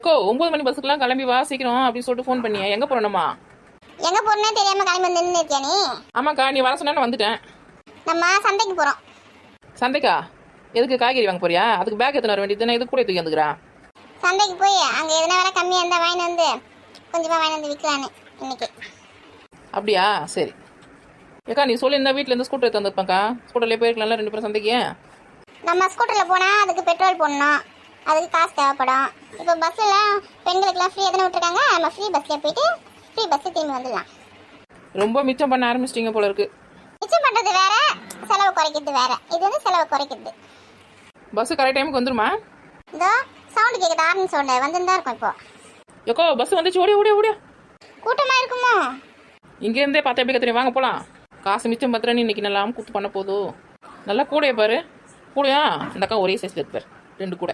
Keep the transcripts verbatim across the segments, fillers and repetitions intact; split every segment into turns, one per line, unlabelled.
கோ ஒன்பது மணி பஸ்ஸுக்குலாம் கிளம்பி வா சீக்கிரம் அப்படின்னு சொல்லிட்டு ஃபோன் பண்ணியா எங்க போறணுமா?
எங்க போறனே தெரியாம கிளம்பி வந்து நின்னு இருக்கியா நீ?
ஆமாக்கா நீ வர சொன்னா வந்துட்டேன்.
நம்ம சந்தைக்கு போறோம்.
சந்தைக்கா? எதுக்கு காய்கறி வாங்க போறியா? அதுக்கு பேக் எத்தனை வர வேண்டியது தானே, இது கூட தூக்கி வந்துக்கிறா.
சந்தைக்கு போய் அங்க எதனா வேலை கம்மியா இருந்தா வாங்கி வந்து கொஞ்சமா வாங்கி வந்து விற்கலான்னு இன்னைக்கு.
அப்படியா? சரி ஏக்கா நீ சொல்லி இந்த வீட்டில் இருந்து ஸ்கூட்டர் எடுத்து வந்துருப்பாக்கா. ஸ்கூட்டர்லேயே போயிருக்கலாம்ல ரெண்டு பேரும் சந்தைக்கு.
நம்ம ஸ்கூட்டர்ல போனா அதுக்கு பெட்ரோல் போடணும், அதுக்கு காசு தேவைப்படும். இப்போ பஸ்ல பெண்களுக்குலாம் ஃப்ரீ எதனா விட்டுருக்காங்க, நம்ம ஃப்ரீ பஸ்ல போயிட்டு ஃப்ரீ பஸ்ல திரும்பி வந்துடலாம்.
ரொம்ப மிச்சம் பண்ண ஆரம்பிச்சிட்டிங்க போல இருக்கு.
மிச்சம் பண்றது வேற, செலவு குறைக்கிறது வேற. இது வந்து செலவு குறைக்கிறது.
பஸ் கரெக்ட் டைமுக்கு வந்துருமா?
இதோ சவுண்ட் கேக்குது, ஆரன் சவுண்ட் வந்துதான் இருக்கும். இப்போ
ஏக்கோ பஸ் வந்துச்சு, ஓடியா ஓடியா ஓடியா.
கூட்டமா இருக்குமோ?
இங்கேருந்தே பார்த்து எப்படி கத்துறீங்க, வாங்க போகலாம். காசு மிச்சம் பத்திரன்னு இன்னைக்கு நல்லா கூத்து பண்ண போதும். நல்லா கூடையை பாரு, கூடையா இந்த அக்கா ஒரே சைஸ்ல இருப்பார், ரெண்டு கூட.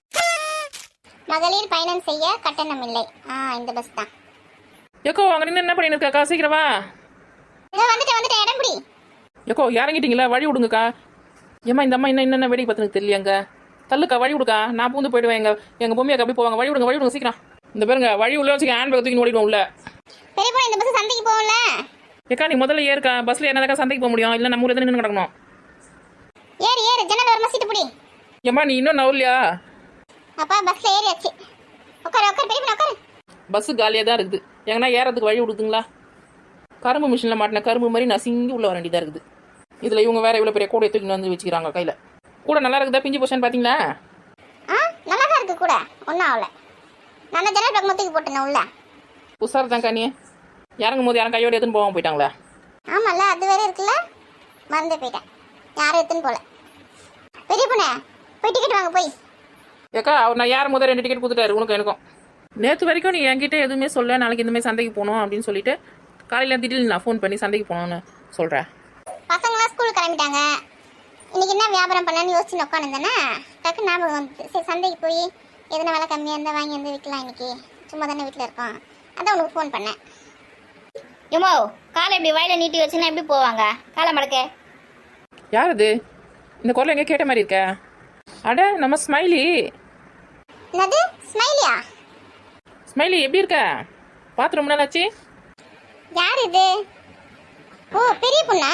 மகளிர் பயணம் செய்ய கட்டணம் இல்லை. ஆ இந்த பஸ் தான்.
ஏக்கோ அங்க நின்று என்ன பண்ணிட்டு இருக்காக்கா, சீக்கிரமா.
இதோ வந்துட்டு வந்துட்டு இடம் பிடி.
ஏக்கோ இறங்கிட்டீங்களா, வழி விடுங்கக்கா. ஏமா இந்த அம்மா என்ன என்னென்ன வேடிக்கை பார்த்துன்னு தெரியலையாங்க. தள்ளுக்கா வழி விடுக்கா, நான் பூந்து போயிடுவேன். எங்க எங்க பொம்மையாக்கா அப்படி போவாங்க. வழி விடுங்க வழி விடுங்க சீக்கிரம். இந்த பேருங்க வழி உள்ள வச்சுக்க, ஹேண்ட் பேக் தூக்கி ஓடிடுவோம் உள்ள.
பெரியப்பா இந்த பஸ் சந்தைக்கு போகல.
ஏக்கா நீ முதல்ல ஏறுக்கா, பஸ்ல என்னதாக்கா சந்தைக்கு போக முடியும், இல்லை நம்ம ஊர்ல நின்று கிடக்கணும்.
ஏறு ஏறு, ஜன்னல் வரமா சீட்டு பிடி.
ஏம்மா நீ இன்னும் நவலையா?
அப்பா பஸ்ல ஏறியாச்சு. உட்காரு உட்காரு பெரியப்பா உட்காரு.
பஸ் காலியாக தான் இருக்குது, எங்கன்னா ஏறதுக்கு வழி விடுதுங்களா? கரும்பு மிஷினில் மாட்டின கரும்பு மாதிரி நசிங்கி உள்ள வர வேண்டியதாக இருக்குது. இதில் இவங்க வேற இவ்வளோ பெரிய கூடையை தூக்கின்னு வந்து வச்சுக்கிறாங்க கையில். கூட நல்லா இருக்குதா, பிஞ்சு போஷன் பார்த்தீங்களா?
ஆ நல்லா தான் இருக்கு கூட, ஒன்றும் ஆகல. நான் ஜன்னல் பக்கம் தூக்கி போட்டேன் உள்ள.
உஷார் தான் காணியே, இறங்கும் போது யாரும் கையோடு எடுத்துன்னு போகாம போயிட்டாங்களா?
ஆமாம்ல, அது வேற இருக்குல்ல, மறந்து போயிட்டேன். யாரும் எடுத்துன்னு போல. பெரிய பொண்ணு போய் டிக்கெட் வாங்க போய்.
ஏக்கா அவர் நான் யாரும் முதல் ரெண்டு டிக்கெட் கொடுத்துட்டாரு உனக்கு எனக்கும். நேற்று வரைக்கும் நீ என்கிட்ட எதுவுமே சொல்ல, நாளைக்கு இந்த மாதிரி சந்தைக்கு போகணும் அப்படின்னு சொல்லிட்டு காலையில் திடீர்னு நான் ஃபோன் பண்ணி சந்தைக்கு போகணும்னு சொல்கிறேன்.
பசங்களாம் ஸ்கூலுக்கு கிளம்பிட்டாங்க. இன்னைக்கு என்ன வியாபாரம் பண்ணலான்னு யோசிச்சு உட்காந்துருந்தேன்னா டக்கு ஞாபகம் வந்து, சரி சந்தைக்கு போய் எதனா வேலை கம்மியாக இருந்தால் வாங்கி வந்து விற்கலாம். இன்னைக்கு சும்மா தானே வீட்டில் இருக்கோம், அதான் உனக்கு ஃபோன் பண்ணேன்.
ஏமோ காலை இப்படி வயலை நீட்டி வச்சுன்னா எப்படி போவாங்க? காலை மடக்க.
யார் அது? இந்த குரல் எங்கே கேட்ட மாதிரி இருக்க? அட நம்ம ஸ்மைலி.
என்னது ஸ்மைலியா?
ஸ்மைலி எப்படி இருக்க? பார்த்து ரொம்ப நாள் ஆச்சு.
யார் இது? ஓ பெரிய பொண்ணா?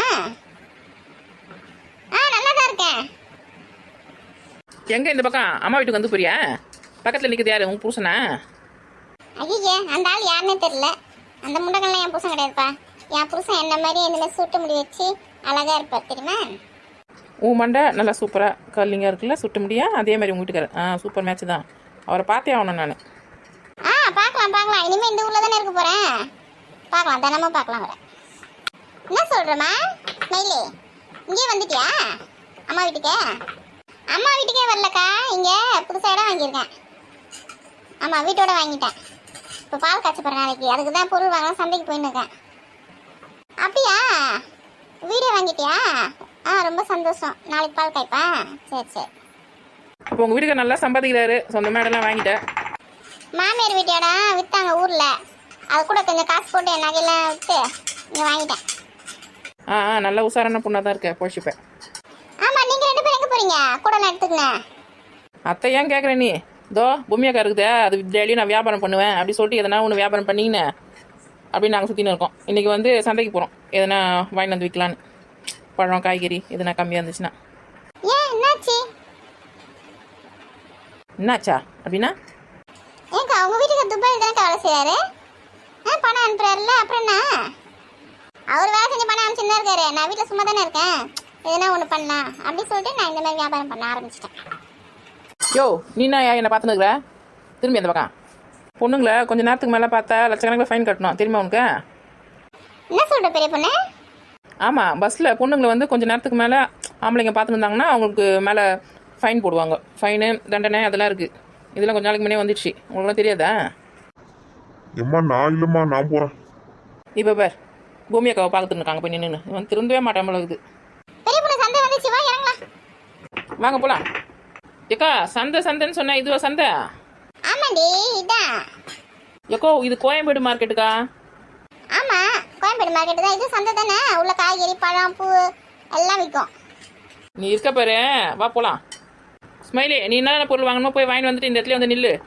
ஆ நல்லா தான் இருக்கேன்.
எங்கே இந்த பக்கம் அம்மா வீட்டுக்கு வந்து போறியா? பக்கத்தில் நிற்கிறது யாரு, உங்க புருஷனா?
ஐயே அந்த ஆள் யாருன்னே தெரியல. அந்த முண்டகள்லாம் என் புருஷன் கிடையாதுப்பா. என் புருஷன் என்ன மாதிரி இந்த மாதிரி சுட்டு முடி வச்சு அழகா இருப்பார் தெரியுமா?
உன் மண்டை நல்லா சூப்பராக கல்லிங்காக இருக்குல்ல, சுட்ட முடியா அதே மாதிரி உங்கள் வீட்டுக்காரர். ஆ சூப்பர் மேட்ச் தான், அவரை பார்த்தே ஆகணும் நான்.
ஆ பார்க்கலாம் பார்க்கலாம், இனிமேல் இந்த ஊரில் தானே இருக்க போகிறேன். பார்க்கலாம், தினமும் பார்க்கலாம் அவரை. என்ன சொல்கிறேம்மா ஸ்மைலி, இங்கேயே வந்துட்டியா அம்மா வீட்டுக்கே? அம்மா வீட்டுக்கே வரலக்கா, இங்கே புதுசாக இடம் வாங்கியிருக்கேன். ஆமாம் வீட்டோட வாங்கிட்டேன். இப்போ பால் காய்ச்ச போகிற நாளைக்கு, அதுக்கு தான் பொருள் வாங்கலாம் சந்தைக்கு போயின்னு இருக்கேன். அப்படியா, வீடே வாங்கிட்டியா? ஆ ரொம்ப சந்தோஷம், நாளைக்கு பால் காய்ப்பா. சரி சரி.
அப்போ உங்கள் வீட்டுக்கு நல்லா சம்பாதிக்கிறாரு, சொந்த மேடெல்லாம் வாங்கிட்டேன்.
மாமியார் வீட்டியாடா விற்றாங்க ஊரில், அது கூட கொஞ்சம் காசு போட்டு என் நகையெல்லாம் விற்று இங்கே வாங்கிட்டேன்.
ஆ ஆ நல்ல உஷாரான பொண்ணாக தான் இருக்கேன், பொழிச்சுப்பேன்.
ஆமாம் நீங்கள் ரெண்டு பேரும் எங்கே போகிறீங்க? கூட நான் எடுத்துக்கினேன்.
அத்தை ஏன் கேட்குறேன் நீ? இதோ பொம்மையாக்கா இருக்குதே, அது டெய்லியும் நான் வியாபாரம் பண்ணுவேன் அப்படி சொல்லிட்டு எதனா ஒன்று வியாபாரம் பண்ணிங்கன்னு அப்படின்னு நாங்கள் சுற்றின்னு இருக்கோம். இன்றைக்கி வந்து சந்தைக்கு போகிறோம், எதனா வாங்கி வந்து விற்கலான்னு. பழம் காய்கறி எதனா கம்மியாக இருந்துச்சுன்னா.
ஏன் என்னாச்சு?
என்னாச்சா அப்படின்னா?
ஏங்கா உங்கள் வீட்டுக்கு துபாயில் தானே வேலை செய்யாரு? ஆ பணம் அனுப்புறாருல்ல, அப்புறம் என்ன? அவர் வேலை செஞ்சு பணம் அனுப்பிச்சுன்னு தான் இருக்காரு. நான் வீட்டில் சும்மா தானே இருக்கேன், எதனா ஒன்று பண்ணலாம் அப்படின்னு சொல்லிட்டு நான் இந்த மாதிரி வியாபாரம் பண்ண ஆரம்பிச்சிட்டேன்.
யோ நீ என்ன என்னை பார்த்துன்னு இருக்கிற? திரும்பி அந்த பக்கம். பொண்ணுங்களை கொஞ்சம் நேரத்துக்கு மேலே பார்த்தா லட்சக்கணக்கில் ஃபைன் கட்டணும் தெரியுமா உனக்கு?
என்ன சொல்கிற பெரிய பொண்ணு?
ஆமாம், பஸ்ஸில் பொண்ணுங்களை வந்து கொஞ்சம் நேரத்துக்கு மேலே ஆம்பளைங்க பார்த்துன்னு இருந்தாங்கன்னா அவங்களுக்கு மேலே ஃபைன் போடுவாங்க. ஃபைனு தண்டனை அதெல்லாம் இருக்குது. இதெல்லாம் கொஞ்சம் நாளைக்கு முன்னே வந்துடுச்சு, உங்களுக்குலாம் தெரியாதா?
எம்மா நான் இல்லைம்மா, நான் போகிறேன்.
இப்போ பேர் பூமி அக்காவை பார்த்துட்டு இருக்காங்க போய் நின்று, வந்து திரும்பவே மாட்டேன் போல இருக்குது.
பெரிய பொண்ணு சந்தை வந்துச்சு, வா இறங்கலாம்.
வாங்க போகலாம். ஏக்கா சந்தை சந்தைன்னு சொன்னேன், இதுவா சந்தை?
ஆமாண்டி இதான்.
ஏக்கோ இது கோயம்பேடு மார்க்கெட்டுக்கா?
ஆமாம் கோயம்பேடு மார்க்கெட்டு தான், இது சந்தை தானே. உள்ள காய்கறி பழம் பூ எல்லாம் விற்கும்.
நீ இருக்க பாரு, வா போகலாம். ஸ்மைலி நீ என்ன பொருள் வாங்கணுமோ போய் வாங்கிட்டு வந்துட்டு இந்த இடத்துல வந்து நில்லு.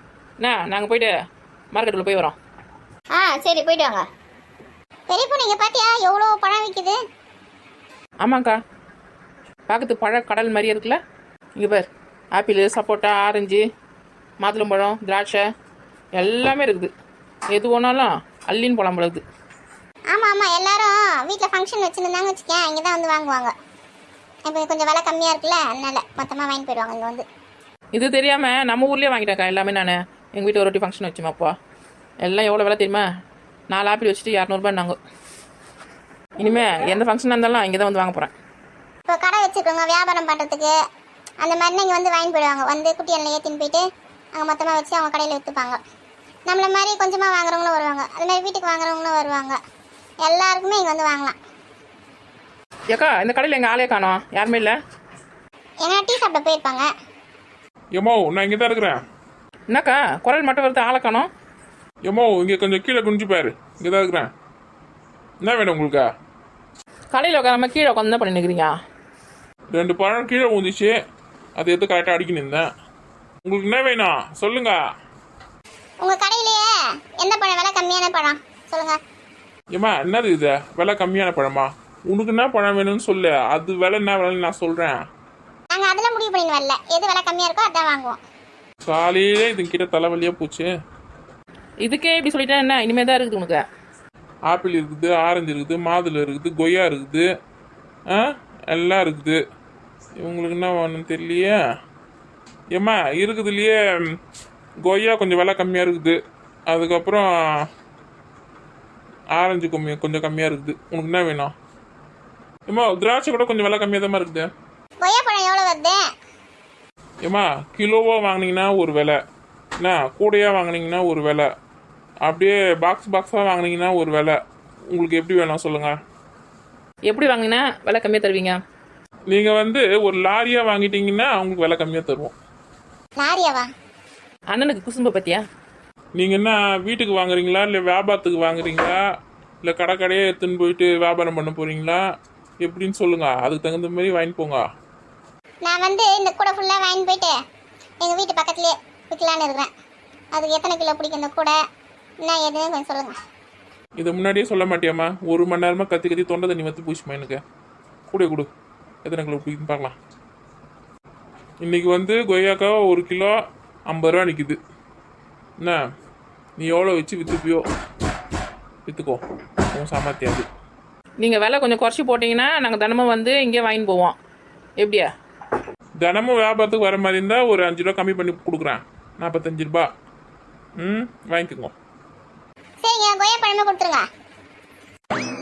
என்ன நாங்கள் போயிட்டு மார்க்கெட்டுக்குள்ளே போய் வரோம்.
ஆ சரி போயிட்டு வாங்க.
பெரிய பொண்ணு இங்க பாத்தியா எவ்வளோ பழம் விற்குது?
ஆமாங்க்கா, பார்க்கறது பழ கடல் மாதிரியே இருக்குல்ல. இங்கே பார், ஆப்பிள், சப்போட்டா, ஆரஞ்சு, மாதுளம்பழம், திராட்சை எல்லாமே இருக்குது. எது ஒன்றாலும் அள்ளின்னு போலாம் போல இருக்குது.
ஆமா ஆமா, எல்லாரும் வீட்டில் ஃபங்க்ஷன் வச்சுருந்தாங்க வச்சுக்கேன், இங்கே தான் வந்து வாங்குவாங்க. இப்போ கொஞ்சம் விலை கம்மியாக இருக்குல்ல, அதனால மொத்தமாக வாங்கி போயிடுவாங்க இங்கே வந்து.
இது தெரியாமல் நம்ம ஊர்லேயே வாங்கிட்டேன்க்கா எல்லாமே. நான் எங்கள் வீட்டு ஒரு வாட்டி ஃபங்க்ஷன் வச்சுமாப்பா, எல்லாம் எவ்வளோ விலை தெரியுமா? நாலு ஆப்பிள் வச்சுட்டு இரநூறுபான்னாங்க. இனிமேல் எந்த ஃபங்க்ஷனாக இருந்தாலும் இங்கே தான் வந்து வாங்க போகிறேன்.
இப்போ கடை வச்சுருக்கோங்க வியாபாரம் பண்ணுறதுக்கு, அந்த மாதிரி இங்கே வந்து வாங்கி போயிடுவாங்க. வந்து குட்டி எண்ணெய் ஏற்றின்னு போயிட்டு அங்கே மொத்தமாக வச்சு அவங்க கடையில் விற்றுப்பாங்க. நம்மள மாதிரி கொஞ்சமாக வாங்குறவங்களும் வருவாங்க, அது மாதிரி வீட்டுக்கு வாங்குறவங்களும் வருவாங்க. எல்லாருக்குமே இங்கே வந்து வாங்கலாம்.
ஏக்கா, இந்த கடையில் எங்கள் ஆளே காணோம், யாருமே இல்லை.
ஏன்னா டீ சாப்பிட போயிருப்பாங்க.
எம்மோ நான் இங்கே தான் இருக்கிறேன்.
என்னக்கா குரல் மட்டும் வருது, ஆளை காணோம்?
எம்மோ இங்கே கொஞ்சம் கீழே குனிஞ்சு பாரு, இங்கே தான் இருக்கிறேன். என்ன வேணும் உங்களுக்கு?
கடையில் உட்காராம கீழே உட்காந்து தான் பண்ணி நிற்கிறீங்க.
ரெண்டு பழம் கீழே ஊந்துச்சு, அதை எடுத்து கரெக்டாக அடிக்க நின்றேன். உங்களுக்கு என்ன வேணும் சொல்லுங்க.
உங்கள் கடையிலேயே எந்த பழம் விலை கம்மியான பழம் சொல்லுங்கள்.
ஏம்மா என்னது இது விலை கம்மியான பழமா? உனக்கு என்ன பழம் வேணும்னு சொல்லு, அது விலை என்ன விலைன்னு நான் சொல்கிறேன்.
நாங்கள் அதெல்லாம் முடிவு பண்ணின்னு வரல, எது விலை கம்மியாக இருக்கோ அதான் வாங்குவோம்.
காலையிலே இதுங்கிட்ட தலைவலியாக போச்சு.
இதுக்கே இப்படி சொல்லிட்டா என்ன, இனிமேல் தான் இருக்குது உனக்கு.
ஆப்பிள் இருக்குது, ஆரஞ்சு இருக்குது, மாதுளை இருக்குது, கொய்யா இருக்குது, ஆ எல்லாம் இருக்குது. இவங்களுக்கு என்ன வேணும்னு தெரியலையே. ஏம்மா இருக்குதுலையே கொய்யா கொஞ்சம் விலை கம்மியாக இருக்குது, அதுக்கப்புறம் ஆரஞ்சு கம்மி கொஞ்சம் கம்மியாக இருக்குது. உனக்கு என்ன வேணும்? ஏம்மா திராட்சை கூட கொஞ்சம் விலை கம்மியாக தான் இருக்குது.
கொய்யா பழம் எவ்வளோ வருது?
ஏம்மா கிலோவாக வாங்கினீங்கன்னா ஒரு விலை, என்ன கூடையாக வாங்கினீங்கன்னா ஒரு விலை, அப்படியே பாக்ஸ் பாக்ஸாக வாங்கினீங்கன்னா ஒரு விலை. உங்களுக்கு எப்படி வேணும் சொல்லுங்கள்.
எப்படி வாங்கினா விலை கம்மியாக தருவீங்க?
நீங்கள் வந்து ஒரு லாரியாக வாங்கிட்டீங்கன்னா அவங்களுக்கு விலை கம்மியாக தருவோம்.
லாரியாவா?
அண்ணனுக்கு குசும்ப பத்தியா?
நீங்கள் என்ன வீட்டுக்கு வாங்குறீங்களா, இல்லை வியாபாரத்துக்கு வாங்குறீங்களா, இல்லை கடை கடையே எடுத்துன்னு போயிட்டு வியாபாரம் பண்ண போகிறீங்களா, எப்படின்னு சொல்லுங்கள். அதுக்கு தகுந்த மாதிரி வாங்கி போங்க.
நான் வந்து இந்த கூடை ஃபுல்லாக வாங்கி போயிட்டு எங்கள் வீட்டு பக்கத்துலேயே விற்கலான்னு இருக்கிறேன். அதுக்கு எத்தனை கிலோ பிடிக்கும் இந்த கூடை, என்ன ஏதுன்னு கொஞ்சம் சொல்லுங்கள்.
இதை முன்னாடியே சொல்ல மாட்டியாம்மா? ஒரு மணி நேரமாக கத்தி கத்தி தொண்டை தண்ணி வந்து பூச்சிமா எனக்கு. கூட கொடு, எத்தனை கிலோ பிடிக்குன்னு பார்க்கலாம். இன்றைக்கி வந்து கொய்யாக்கா ஒரு கிலோ ஐம்பது ரூபா நிற்கிது. என்ன நீ எவ்வளோ வச்சு விற்றுப்பியோ விற்றுக்கோ, உன் சாமர்த்தியாது.
நீங்கள் விலை கொஞ்சம் குறைச்சி போட்டிங்கன்னா நாங்கள் தினமும் வந்து இங்கே வாங்கின்னு போவோம். எப்படியா?
தினமும் வியாபாரத்துக்கு வர மாதிரி இருந்தால் ஒரு அஞ்சு ரூபா கம்மி பண்ணி கொடுக்குறேன், நாற்பத்தஞ்சு ரூபா. ம் வாங்கிக்கோங்க.
சரிங்க, கொய்யா பழமே கொடுத்துருங்க.